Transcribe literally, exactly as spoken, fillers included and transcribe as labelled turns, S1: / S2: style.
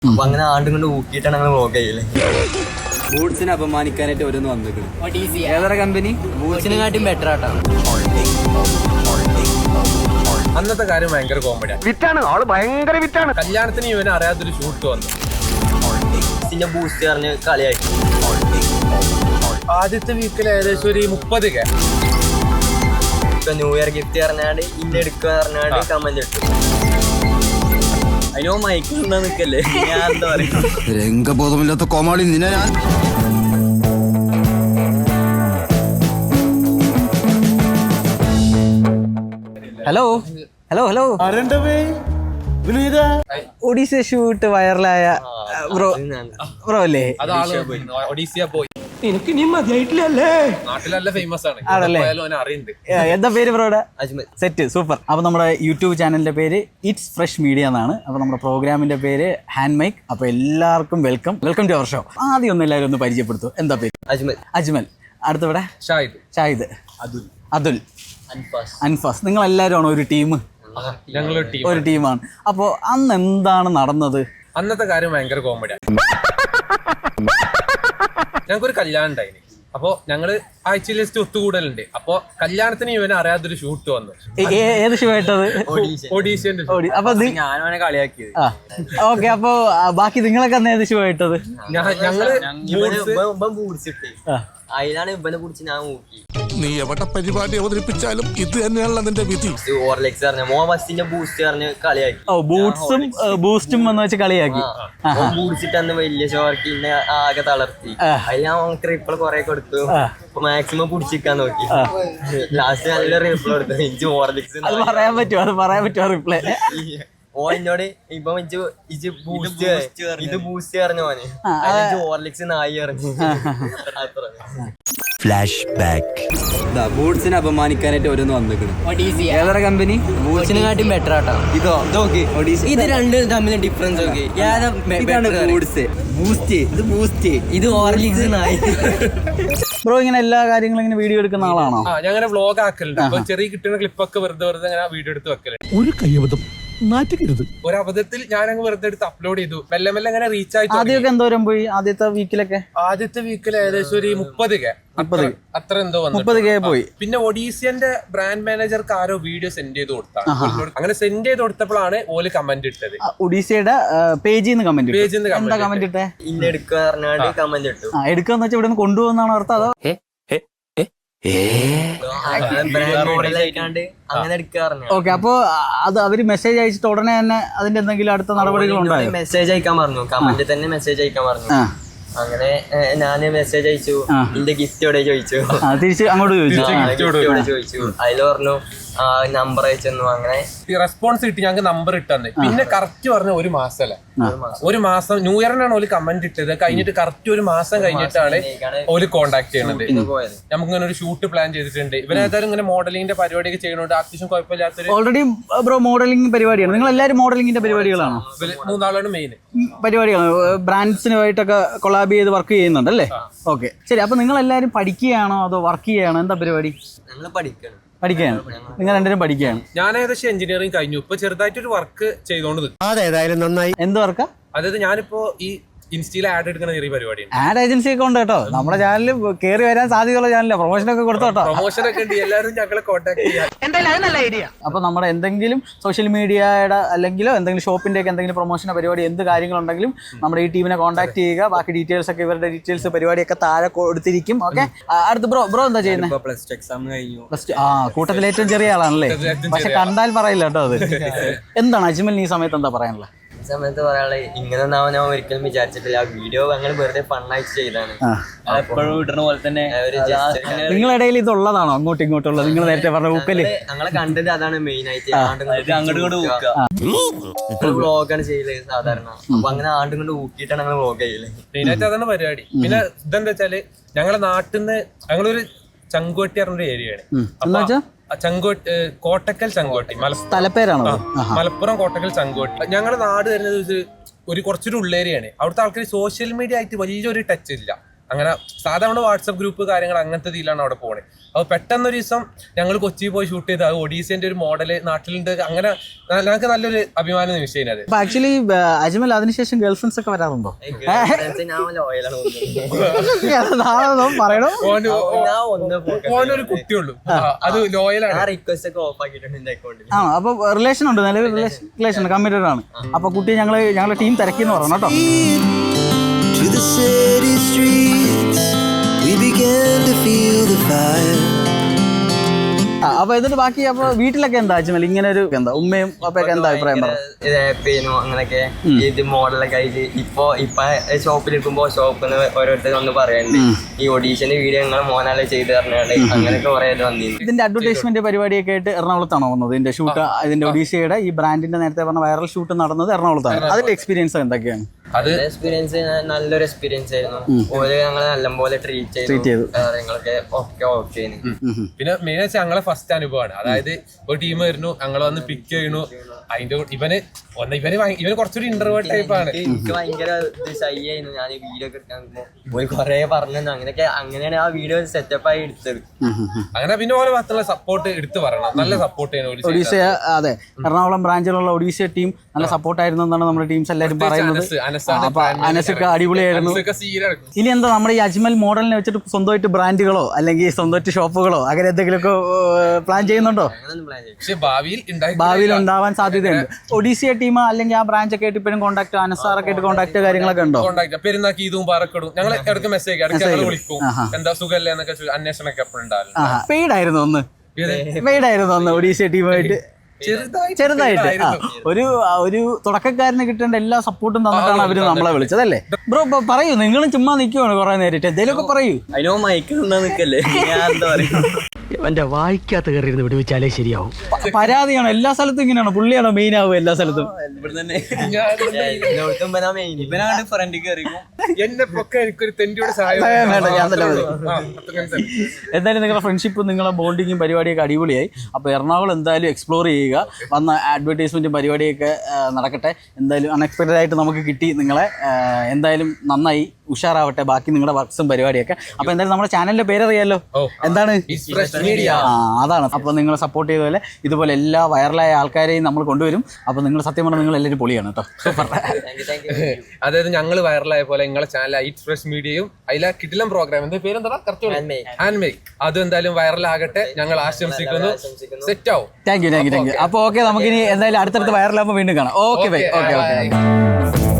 S1: അപ്പൊ അങ്ങനെ ആണ്ടും കൊണ്ട് ഊക്കിയിട്ടാണ് ഞങ്ങൾ വ്ളോഗ് ചെയ്യല്.
S2: ബൂട്ട്സിനെ അപമാനിക്കാനായിട്ട് ഓരോന്ന് വന്നിട്ടുണ്ട്. ഏതൊരു കമ്പനി
S1: ബൂട്ട്സിനെക്കാട്ടും ബെറ്റർ ആട്ടോ.
S3: അന്നത്തെ കാര്യം ഭയങ്കര കോമഡിയാണ്. വിറ്റാണ് ആള് ഭയങ്കര വിറ്റാണ്. കല്യാണത്തിന് ഇവന് അറിയാത്തൊരു ഷൂട്ട് വന്നു.
S1: പിന്നെ ബൂസ്റ്റ് പറഞ്ഞ് കളിയാക്കി.
S3: ആദ്യത്തെ വീക്കിൽ ഏകദേശം ഒരു മുപ്പത് കെ.
S1: ഇപ്പൊ ന്യൂ ഇയർ ഗിഫ്റ്റ് പറഞ്ഞാണ്ട് ഇന്ന എടുക്കുക പറഞ്ഞാണ്ട് കമന്റ് ഇട്ടു. അതിനോ മൈക്ക് ഉണ്ടാ നിക്കല്ലേ, ഞാൻ എന്താ പറയാ.
S2: രംഗബോധമില്ലാത്ത കോമാളി നിന്നെ ഞാൻ.
S4: ഹലോ ഹലോ ഹലോ ഒഡീസ ഷൂട്ട് വൈറലായ ബ്രോ ബ്രോ അല്ലേ?
S3: ഒഡീസിയ പോയി. എനിക്ക് നീ മതിയായിട്ടില്ലല്ലേ? നാട്ടിലല്ല ഫേമസ് ആണ്.
S4: ആണല്ലേ?
S3: അറിയുന്നുണ്ട്.
S4: എന്താ പേര് ബ്രോയുടെ?
S1: അജ്മൽ.
S4: Set super. അപ്പോൾ നമ്മുടെ യൂട്യൂബ് ചാനലിന്റെ പേര് ഇറ്റ്സ് ഫ്രഷ് മീഡിയ എന്നാണ്. അപ്പോൾ നമ്മുടെ പ്രോഗ്രാമിന്റെ പേര് ഹാൻഡ് മൈക്ക്. അപ്പോൾ എല്ലാവർക്കും welcome welcome to our show. ആദ്യം ഒന്ന് എല്ലാവരും ഒന്ന് പരിചയപ്പെടുത്തു. എന്താ പേര്?
S1: അജ്മൽ.
S4: അജ്മൽ. അടുത്തവിടെ
S3: ഷാഹിദ്.
S4: ഷാഹിദ്.
S3: അതുൽ.
S4: അതുൽ.
S1: അൻഫാസ്.
S4: അൻഫാസ്. നിങ്ങൾ എല്ലാവരും ആണോ ഒരു ടീം?
S3: ഞങ്ങളൊരു ടീം.
S4: ഒരു ടീമാണ്. അപ്പോൾ അന്ന് എന്താണ് നടന്നത്?
S3: അന്നത്തെ കാര്യം ഭയങ്കര കോമഡിയാണ്. ഞങ്ങൾക്കൊരു കല്യാണം ഉണ്ടായിന്. അപ്പൊ ഞങ്ങള് ആഴ്ചയിൽ ജസ്റ്റ് ഒത്തുകൂടലുണ്ട്. അപ്പൊ കല്യാണത്തിന് ഇവന് അറിയാത്തൊരു ഷൂട്ട് വന്നു.
S4: ഏത് ഷോ ആയിട്ടത്?
S3: ഒഡീഷ്യന്റെ.
S4: അപ്പൊ
S1: ഞാനാണ് കളിയാക്കിയത്.
S4: ഓക്കെ. അപ്പൊ ബാക്കി നിങ്ങളൊക്കെ അന്ന് ഏത് ഷോ ആയിട്ടത്?
S3: ഞങ്ങള്
S1: ബൂട്ട്സ് ഇട്ട് അതിലാണ് ഇവനെ കുറിച്ച് ഞാൻ നോക്കി.
S5: നീ എവിടെ പരിപാടി അവതരിപ്പിച്ചാലും ഇത് തന്നെയാണല്ലോ നിന്റെ വിധി.
S1: ഓർലെക്സ് പറഞ്ഞ മോ ബസ്സിന്റെ ബൂസ്റ്റ് പറഞ്ഞ് കളിയാക്കി.
S4: ഓ ബൂട്ട്സും ബൂസ്റ്റും എന്ന് വെച്ച് കളിയാക്കി.
S1: ബൂട്ട്സ് ഇട്ട് അന്ന് വലിയ ഷോർക്ക് ഇന്നെ ആകെ തളർത്തി. അതിൽ ഞാൻ ട്രിപ്പിൾ കൊറേ കൊടുത്തു. മാക്സിമം പിടിച്ചിരിക്കാൻ നോക്കി. ലാസ്റ്റ് നല്ല റിപ്ലൈ കൊടുത്തു. എനിക്ക് ഓർലെക്സ്
S4: അത് പറയാൻ പറ്റുമോ? അത് പറയാൻ പറ്റുമോ റിപ്ലൈ?
S1: ഓ എന്നോട് ഇപ്പൊ ഇത് ബൂസ്റ്റ് പറഞ്ഞു മോനെ. ഓർലിക്സ് നായി പറഞ്ഞു.
S2: Flash back. ബൂട്ട്സിനെ അപമാനിക്കാനായിട്ട് ഓരോന്ന് വന്നിട്ടുണ്ട്. ഏതൊരു കമ്പനി?
S1: ബൂട്ട്സിനെക്കാട്ടും ബെറ്റർ ആട്ടോ.
S2: ഇതോ ഇതൊക്കെ
S1: ഇത് രണ്ടും തമ്മിൽ ഡിഫറൻസ് ഒക്കെ.
S2: ബൂട്ട്സ്. ബൂസ്റ്റ്. ഇത് ബൂസ്റ്റ്.
S1: ഇത് ഓർലിക്സ് നായി.
S4: ബ്രോ ഇങ്ങനെ എല്ലാ കാര്യങ്ങളും ഇങ്ങനെ വീഡിയോ എടുക്കുന്ന ആളാണോ?
S3: ആ ഞങ്ങനെ വ്ളോഗ് ആക്കലുണ്ട്. അപ്പൊ ചെറിയ കിട്ടുന്ന ക്ലിപ്പൊക്കെ വെറുതെ വെറുതെ അങ്ങനെ വീഡിയോ എടുത്ത് വെക്കലുണ്ട്.
S5: ഒരു കയ്യബദ്ധം നാറ്റിക്കരുത്.
S3: ഒരു അബദ്ധത്തിൽ ഞാൻ അങ്ങ് വെറുതെ എടുത്ത് അപ്ലോഡ് ചെയ്തു. മെല്ലെ മെല്ലെ അങ്ങനെ റീച്ച് ആയി.
S4: ആദ്യമൊക്കെ എന്തോരം പോയി? ആദ്യത്തെ വീക്കിലൊക്കെ
S3: ആദ്യത്തെ വീക്കിൽ ഏകദേശം ഒരു മുപ്പത് കെ അത്ര എന്തോ വന്നു.
S4: മുപ്പത് കെ പോയി.
S3: പിന്നെ ഒഡീസിയന്റെ ബ്രാൻഡ് മാനേജർക്ക് ആരോ വീഡിയോ സെൻഡ് ചെയ്ത് കൊടുത്താണ്. അങ്ങനെ സെൻഡ് ചെയ്ത് കൊടുത്തപ്പോഴാണ് ഓല് കമന്റ് ഇട്ടത്.
S4: ഒഡീസയുടെ പേജിൽ നിന്ന് കമന്റ്
S3: പേജിൽ നിന്ന്
S4: എന്താ കമന്റ് ഇട്ടേ?
S1: ഇന്ന എടുക്കുക പറഞ്ഞാണ്ട് കമന്റ് ഇട്ടു.
S4: ആ എടുക്കാന്ന് വെച്ചാൽ ഇവിടെ നിന്ന് കൊണ്ടുപോകുന്നാണ് അർത്ഥം? അതോ
S1: അങ്ങനെ എടുക്കുക പറഞ്ഞു.
S4: ഓക്കെ. അപ്പൊ അത് അവര് മെസ്സേജ് അയച്ചിട്ട് ഉടനെ തന്നെ അതിന്റെ എന്തെങ്കിലും അടുത്ത നടപടികൾ ഉണ്ടായോ?
S1: മെസ്സേജ് അയക്കാൻ പറഞ്ഞു. കമന്റ് തന്നെ മെസ്സേജ് അയക്കാൻ പറഞ്ഞു. അങ്ങനെ ഞാന് മെസ്സേജ് അയച്ചു. എന്റെ ഗിഫ്റ്റ് എവിടെ ചോദിച്ചു.
S4: തിരിച്ച് അങ്ങോട്ട് ചോദിച്ചു.
S1: ചോദിച്ചു. അതില് പറഞ്ഞു നമ്പർ അയച്ചു. അങ്ങനെ
S3: റെസ്പോൺസ് കിട്ടി. ഞങ്ങൾക്ക് നമ്പർ ഇട്ടെന്ന്. പിന്നെ കറക്റ്റ് പറഞ്ഞ ഒരു മാസം അല്ലേ, ഒരു മാസം ന്യൂ ഇയറിനാണ് ഓല് കമന്റ് ഇട്ടത്. കഴിഞ്ഞിട്ട് കറക്റ്റ് ഒരു മാസം കഴിഞ്ഞിട്ടാണ് ഓല് കോണ്ടാക്ട് ചെയ്യുന്നത്. നമുക്ക് ഇങ്ങനെ ഒരു ഷൂട്ട് പ്ലാൻ ചെയ്തിട്ടുണ്ട്. ഇവരേതായാലും ഇങ്ങനെ മോഡലിംഗിന്റെ പരിപാടിയൊക്കെ ചെയ്യുന്നുണ്ട്. അത്യാവശ്യം കുഴപ്പമില്ലാത്തൊരു.
S4: ഓൾറെഡി ബ്രോ മോഡലിംഗ് പരിപാടിയാണ്. നിങ്ങൾ എല്ലാവരും മോഡലിംഗിന്റെ പരിപാടികളാണോ?
S3: മൂന്നാളാണ് മെയിൻ
S4: പരിപാടികളാണ്. ബ്രാൻഡ്സിനുമായിട്ടൊക്കെ കൊളാബ് ചെയ്ത് വർക്ക് ചെയ്യുന്നുണ്ട് അല്ലേ? ഓക്കെ ശരി. അപ്പൊ നിങ്ങൾ എല്ലാവരും പഠിക്കുകയാണോ അതോ വർക്ക് ചെയ്യുകയാണോ? എന്താ പരിപാടി?
S1: ഞങ്ങള് പഠിക്കണം.
S4: പഠിക്കുകയാണ്. നിങ്ങൾ രണ്ടുപേരും പഠിക്കുകയാണ്.
S3: ഞാൻ ഏകദേശം എഞ്ചിനീയറിംഗ് കഴിഞ്ഞു. ഇപ്പൊ ചെറുതായിട്ടൊരു വർക്ക് ചെയ്തോണ്ട് നിൽക്കും.
S5: അതേതായാലും നന്നായി.
S4: എന്ത് വർക്കാ?
S3: അതായത് ഞാനിപ്പോ ഈ ഇൻസ്റ്റയിൽ ആഡ് എടുക്കുന്ന ചെറിയ പരിപാടിയാണ്.
S4: ആഡ് ഏജൻസി ഒക്കെ ഉണ്ട് കേട്ടോ. നമ്മുടെ ചാനലിൽ കയറി വരാൻ സാധ്യതയുള്ള ചാനലില്ല. പ്രൊമോഷൻ ഒക്കെ കൊടുത്തു കേട്ടോ.
S3: പ്രൊമോഷൻ ഒക്കെ ഉണ്ട്. എല്ലാവരും ഞങ്ങളെ കോൺടാക്ട് ചെയ്യാം.
S4: അപ്പൊ നമ്മുടെ എന്തെങ്കിലും സോഷ്യൽ മീഡിയയുടെ അല്ലെങ്കിലോ എന്തെങ്കിലും ഷോപ്പിന്റെ ഒക്കെ എന്തെങ്കിലും പ്രൊമോഷന്റെ പരിപാടി എന്ത് കാര്യങ്ങളുണ്ടെങ്കിലും നമ്മുടെ ഈ ടീമിനെ കോൺടാക്ട് ചെയ്യുക. ബാക്കി ഡീറ്റെയിൽസ് ഒക്കെ ഇവരുടെ ഡീറ്റെയിൽസ് പരിപാടിയൊക്കെ താഴെ കൊടുത്തിരിക്കും. ഓക്കെ. അടുത്ത് ബ്രോ ബ്രോ എന്താ ചെയ്യുന്നത്?
S1: പ്ലസ് ടു എക്സാം കഴിഞ്ഞു.
S4: Plus two. ആ കൂട്ടത്തിൽ ഏറ്റവും ചെറിയ ആളാണല്ലേ? പക്ഷെ കണ്ടാൽ പറയില്ല കേട്ടോ അത്. എന്താണ് അജ്മൽ ഈ സമയത്ത് എന്താ പറയാനുള്ളത്?
S1: സമയത്ത് പറയാളെ ഇങ്ങനെ ഒന്നാവാൻ ഞാൻ ഒരിക്കലും വിചാരിച്ചിട്ടില്ല. ആ വീഡിയോ ഞങ്ങൾ വെറുതെ ഫണ്ണായിട്ട് ചെയ്താണ്.
S2: എപ്പോഴും ഇടുന്ന പോലെ തന്നെ.
S4: നിങ്ങളിടയിൽ ഇതുള്ളതാണോ അങ്ങോട്ടും ഇങ്ങോട്ടുള്ളത്? നിങ്ങൾ നേരത്തെ പറഞ്ഞ ഊക്കല്
S1: ഞങ്ങളെ കണ്ടത് അതാണ് മെയിൻ ആയിട്ട്. വ്ളോഗാണ് ചെയ്യല് സാധാരണ. അപ്പൊ അങ്ങനെ ആണ്ടും കൊണ്ട് ഊക്കിയിട്ടാണ് ഞങ്ങൾ വ്ളോഗ് ചെയ്യല്.
S3: മെയിനായിട്ട് അതാണ് പരിപാടി. പിന്നെ ഇതെന്താ വെച്ചാല് ഞങ്ങളെ നാട്ടിൽ നിന്ന് ഞങ്ങളൊരു ചങ്കോട്ടി പറഞ്ഞൊരു ഏരിയയാണ്. ചങ്കോട്ടി കോട്ടക്കൽ ചങ്കോട്ടി
S4: സ്ഥലപ്പേരാണോ?
S3: മലപ്പുറം കോട്ടക്കൽ ചങ്കോട്ടി. ഞങ്ങളുടെ നാട് വരുന്നത് ഒരു കുറച്ചൊരു ഉള്ളേരിയാണ്. അവിടുത്തെ ആൾക്കാർ സോഷ്യൽ മീഡിയ ആയിട്ട് വലിയൊരു ടച്ച് ഇല്ല. അങ്ങനെ സാധാരണ വാട്സപ്പ് ഗ്രൂപ്പ് കാര്യങ്ങൾ അങ്ങനത്തെ ഇതിലാണ് അവിടെ പോണേ. അപ്പൊ പെട്ടെന്നൊരു ദിവസം ഞങ്ങൾ കൊച്ചിയിൽ പോയി ഷൂട്ട് ചെയ്ത് അത് ഒഡീസിന്റെ ഒരു മോഡല് നാട്ടിലുണ്ട്. അങ്ങനെ ഞങ്ങൾക്ക് നല്ലൊരു അഭിമാന നിമിഷം അത്.
S4: അപ്പൊ ആക്ച്വലി അജ്മൽ അതിനുശേഷം ഗേൾ ഫ്രണ്ട്സ് ഒക്കെ വരാറുണ്ടോ? പറയണോ?
S3: ഓനൊരു കുട്ടിയുള്ളൂ, അത് ലോയലാണ്.
S1: റിക്വസ്റ്റ് ഒക്കെ ഓഫ് ആക്കിയിട്ടുണ്ട് എന്റെ അക്കൗണ്ടിൽ.
S4: ആ അപ്പൊ റിലേഷൻ ഉണ്ട്, നിലവിൽ റിലേഷൻ കമ്മിറ്റഡ് ആണ്. അപ്പൊ കുട്ടി ഞങ്ങള് ഞങ്ങളുടെ ടീം തിരക്കിന്ന് പറഞ്ഞു കേട്ടോ.
S6: To the city streets, we began to feel the fire.
S4: അപ്പൊ എന്നിട്ട് ബാക്കി അപ്പൊ വീട്ടിലൊക്കെ എന്താ അജ്മൽ ഇങ്ങനെ ഒരു എന്താ ഉമ്മയും അപ്പൊക്കെ എന്താ അഭിപ്രായം
S1: ഹാപ്പിയായിരുന്നു അങ്ങനൊക്കെ. ഇത് മോഡലൊക്കെ ആയിട്ട് ഇപ്പൊ ഇപ്പൊ ഷോപ്പിലിരിക്കുമ്പോ ഷോപ്പിൽ ഓരോരുത്തർ ഒന്ന് പറയുന്നുണ്ട് ഈ ഒഡീഷന്റെ വീഡിയോ ഞങ്ങൾ മോനാലെ ചെയ്ത് തരണേ, അങ്ങനെയൊക്കെ കുറെ വന്നിട്ടുണ്ട്.
S4: ഇതിന്റെ അഡ്വർടൈസ്മെന്റ് പരിപാടിയൊക്കെ ആയിട്ട് എറണാകുളത്താണോ വന്നത്? ഇതിന്റെ ഷൂട്ട് ഇതിന്റെ ഒഡീഷയുടെ ഈ ബ്രാൻഡിന്റെ നേരത്തെ പറഞ്ഞ വൈറൽ ഷൂട്ട് നടന്നത് എറണാകുളത്താണ്. അതിന്റെ എക്സ്പീരിയൻസ് എന്തൊക്കെയാണ്?
S3: അത്
S1: എക്സ്പീരിയൻസ് നല്ലൊരു എക്സ്പീരിയൻസ് ആയിരുന്നു. ഓര് ഞങ്ങളെ നല്ലപോലെ ട്രീറ്റ് ചെയ്തു, കാര്യങ്ങളൊക്കെ ഒക്കെ ഓക്കെ.
S3: പിന്നെ മെയിൻ വെച്ചാൽ ഞങ്ങളെ ഫസ്റ്റ് അനുഭവമാണ്. അതായത് ഒരു ടീം വരുന്നു, ഞങ്ങൾ വന്ന് പിക്ക് ചെയ്യുന്നു. അതിന്റെ ഇവന് ഒന്ന് ഇവന് ഇവന് കുറച്ചൊരു ഇന്റർവേർട്ട് ടൈപ്പ് ആണ്.
S1: എനിക്ക് ഭയങ്കര ഷൈ ആയിരുന്നു. ഞാൻ വീഡിയോ ഒക്കെ എടുക്കാൻ പോയി കൊറേ പറഞ്ഞു, അങ്ങനെയൊക്കെ അങ്ങനെയാണ് ആ വീഡിയോ സെറ്റപ്പ് ആയി എടുത്തത്.
S3: അങ്ങനെ പിന്നെ ഓരോ ഭാഗത്തുള്ള സപ്പോർട്ട് എടുത്തു പറയണം, നല്ല സപ്പോർട്ട് ചെയ്യുന്നു
S4: ഒഡീഷ. അതെ, എറണാകുളം ബ്രാഞ്ചിലുള്ള ഒഡീഷ ടീം നല്ല സപ്പോർട്ടായിരുന്നു എന്നാണ് നമ്മുടെ ടീംസ് എല്ലാവരും പറയുന്നത്. അപ്പൊ അനസൊക്കെ അടിപൊളിയായിരുന്നു. ഇനി എന്താ നമ്മുടെ ഈ അജ്മൽ മോഡലിനെ വെച്ചിട്ട് സ്വന്തമായിട്ട് ബ്രാൻഡുകളോ അല്ലെങ്കിൽ സ്വന്തമായിട്ട് ഷോപ്പുകളോ അങ്ങനെ എന്തെങ്കിലുമൊക്കെ പ്ലാൻ ചെയ്യുന്നുണ്ടോ?
S3: പക്ഷെ ഭാവിയിൽ
S4: ഭാവിയിൽ ഉണ്ടാവാൻ സാധ്യതയുണ്ട്. ഒഡീസിയ ടീം അല്ലെങ്കിൽ ആ ബ്രാഞ്ച് ഒക്കെ ആയിട്ട് ഇപ്പോഴും കോൺടാക്ട് അനസാറൊക്കെ ആയിട്ട് കോൺടാക്ട് കാര്യങ്ങളൊക്കെ ഉണ്ടോ?
S3: പെരുന്നാക്കി ഇതും പാറക്കെടും ഞങ്ങൾ ഇടയ്ക്ക് മെസ്സേജ് ഇടയ്ക്ക് വിളിക്കും, എന്താ സുഖല്ലേ എന്നൊക്കെ അന്വേഷണമൊക്കെ എപ്പോഴും ഉണ്ടാവും.
S4: പെയ്ഡ് ആയിരുന്നു ഒന്ന് പെയ്ഡ് ആയിരുന്നു ഒന്ന് ഒഡീസിയ ടീമായിട്ട് ചെറുതായിട്ട് ഒരു ഒരു തുടക്കക്കാരന് കിട്ടേണ്ട എല്ലാ സപ്പോർട്ടും തന്നിട്ടാണ് അവര് നമ്മളെ വിളിച്ചത് അല്ലേ ബ്രോ? പറയൂ, നിങ്ങളും ചുമ്മാ നിൽക്കുവാണ് കുറെ നേരിട്ട്, എന്തേലുമൊക്കെ പറയൂ.
S1: അതിനോ മയക്ക് നിന്നാ നിക്കല്ലേ, ഞാൻ എന്താ പറയാ.
S7: എന്റെ വായിക്കാത്ത കയറിയിരുന്ന് വിടുവിച്ചാലേ ശരിയാവും.
S4: പരാതിയാണോ എല്ലാ സ്ഥലത്തും ഇങ്ങനെയാണോ? പുള്ളിയാണോ മെയിൻ ആവും എല്ലാ സ്ഥലത്തും?
S3: എന്നെ പൊക്കെ എനിക്കൊരു തെണ്ടിയുടെ സഹായം.
S4: എന്തായാലും നിങ്ങളുടെ ഫ്രണ്ട്ഷിപ്പും നിങ്ങളുടെ ബോണ്ടിങ്ങും പരിപാടിയൊക്കെ അടിപൊളിയായി. അപ്പോൾ എറണാകുളം എന്തായാലും എക്സ്പ്ലോർ ചെയ്യുക, വന്ന അഡ്വർടൈസ്മെൻറ്റും പരിപാടിയൊക്കെ നടക്കട്ടെ. എന്തായാലും അൺഎക്സ്പെക്റ്റഡ് ആയിട്ട് നമുക്ക് കിട്ടി നിങ്ങളെ. എന്തായാലും നന്നായി, ഉഷാറാവട്ടെ ബാക്കി നിങ്ങളുടെ വർക്ക്സും പരിപാടിയൊക്കെ. അപ്പോൾ എന്തായാലും നമ്മുടെ ചാനലിൻ്റെ പേരറിയാലോ, എന്താണ്? ആ അതാണ്. അപ്പോൾ നിങ്ങൾ സപ്പോർട്ട് ചെയ്ത പോലെ ഇതുപോലെ എല്ലാ വൈറലായ ആൾക്കാരെയും നമ്മൾ കൊണ്ടുവരും. അപ്പോൾ നിങ്ങൾ സത്യം പറഞ്ഞാൽ നിങ്ങൾ എല്ലാവരും പൊളിയാണ് കേട്ടോ, സൂപ്പർ.
S3: അതായത് ഞങ്ങൾ വൈറലായ പോലെ നിങ്ങളെ ചാനൽ ഐറ്റ് ഫ്രഷ് മീഡിയയും അതിലെ കിടിലം പ്രോഗ്രാം എന്താ പേരെന്താ ഹാൻഡ്മേക്ക് അതും എന്തായാലും വൈറലാകട്ടെ ഞങ്ങൾ ആശംസിക്കുന്നു. സെറ്റ് ആവും.
S4: Thank you thank you thank you. അപ്പോൾ ഓക്കെ, നമുക്കിനി എന്തായാലും അടുത്തടുത്ത് വൈറലാകുമ്പോൾ വീണ്ടും കാണാം. Okay bye. Okay okay.